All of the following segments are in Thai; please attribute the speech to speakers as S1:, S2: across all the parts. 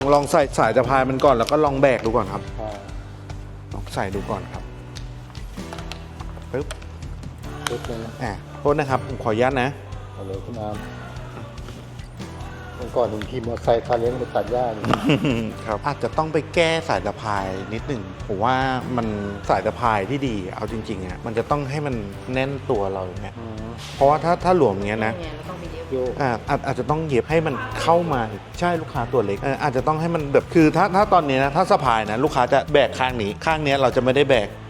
S1: ลองใส่สายสะพายมันก่อนแล้วก็ลองแบกดูก่อนครับลองใส่ดูก่อนครับปึ๊บ
S2: เลยนะ
S1: โทษนะครับผมขออนุญาตนะ
S2: เอาเลยคุณอามเมื่อก่อนหนึ่งทีมมอเตอร์ไซค์พาเลี้ยงไปตัดหญ้าอยู่
S1: ครับอาจจะต้องไปแก้สายสะพายนิดหนึ่งผมว่ามันสายสะพายที่ดีเอาจริงๆอ่ะมันจะต้องให้มันแน่นตัวเราอย่างเงี้ยเพราะว่าถ้าหลวมอย่างเงี้ยนะ
S3: เราต้องไปเย็บ
S2: โยก
S1: อาจจะต้องเย็บให้มันเข้ามาใช่ลูกค้าตัวเล็กอาจจะต้องให้มันแบบคือถ้าตอนนี้นะถ้าสะพายนะลูกค้าจะแบกข้างนี้ข้างนี้เราจะไม่ได้แบก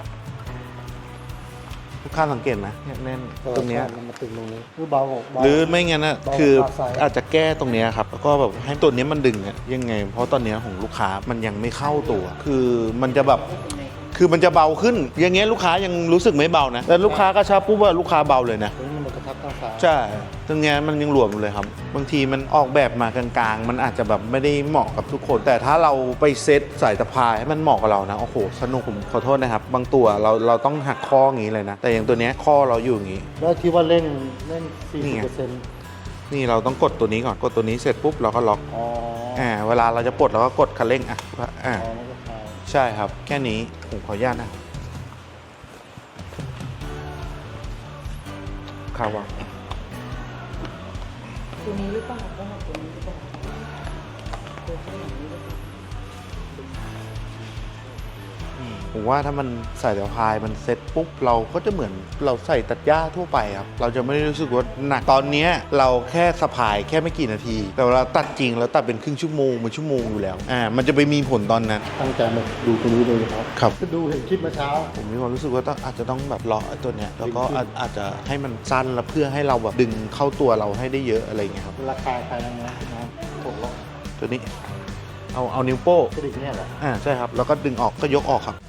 S1: ลูกค้าสังเกตไหมเนี่ยแน่นตรงเนี้ย
S2: มันมาตึงตรงนี้คือเบา
S1: หรือไม่งั้นนะ
S2: เบา
S1: คือ
S2: ขาซ้าย
S1: อาจจะแก้ตรงเนี้ยครับแล้วก็แบบให้ตัวเนี้ยมันดึงอะยังไง เพราะตอนเนี้ยของลูกค้ามันยังไม่เข้าตัว คือมันจะแบบคือมันจะเบาขึ้น อย่างเงี้ยลูกค้ายังรู้สึกไม่เบานะแต่ลูกค้ากระชับปุ๊บว่าลูกค้าเบาเลยนะ
S2: ตรงนี้มันกระทับข้างซ้าย
S1: ใช่ตรงเนี้ยมันยังหลวมอยู่เลยครับ บางทีมันออกแบบมากลางๆ มันอาจจะแบบไม่ได้เหมาะกับทุกคน แต่ถ้าเราไปเซตสายสะพายให้มันเหมาะกับเรานะโอ้โหสนุกผมขอโทษนะครับ บางตัวเราต้องหักข้ออย่างนี้เลยนะแต่อย่างตัวเนี้ยข้อเราอยู่อย่างนี้
S2: แล้วที่ว่าเล่น
S1: นี่ไง
S2: 40%
S1: นี่เราต้องกดตัวนี้ก่อนกดตัวนี้เสร็จปุ๊บเราก็ล็อก
S2: อ๋อ
S1: เวลาเราจะปลดเราก็กดคันเร่ง
S2: อ๋อมันก็คลาย
S1: ใช่ครับ แค่นี้ผมขออนุญาตนะข่าวว่า
S3: ตัวนี้หรือเปล่าต้องเอาตัวนี้หรือเปล่าตัวข้างหลังนี้หรือเปล่า
S1: ผมว่าถ้ามันใส่สะพายมันเซ็ตปุ๊บเราก็จะเหมือนเราใส่ตัดหญ้าทั่วไปครับเราจะไม่ได้รู้สึกว่าหนักตอนเนี้ยเราแค่สะพายแค่ไม่กี่นาที แต่เวลาตัดจริงเราตัดเป็นครึ่งชั่วโมงเป็นชั่วโมงอยู่แล้วมันจะไปมีผลตอนนั้น
S2: ตั้งใจมาดูตรงนี้เลยครับ
S1: ครับ
S2: ก็ดูเห็นคลิปเมื่อเช้า
S1: ผมมีความรู้สึกว่าอาจจะต้องแบบเลาะไอ้ตัวเนี้ยแล้วก็อาจจะให้มันสั้นแล้วเพื่อให้เราแบบดึงเข้าตัวเราให้ได้เยอะอะไรอย่างเงี้ยครับ
S2: ราคาใครนะปลดล็อก
S1: ตัวนี้เอานิ้วโป้ง
S2: กระดิกเนี่ยเหรอ
S1: ใช่ครับแล้วก็ดึงออกก็ยกออกครับ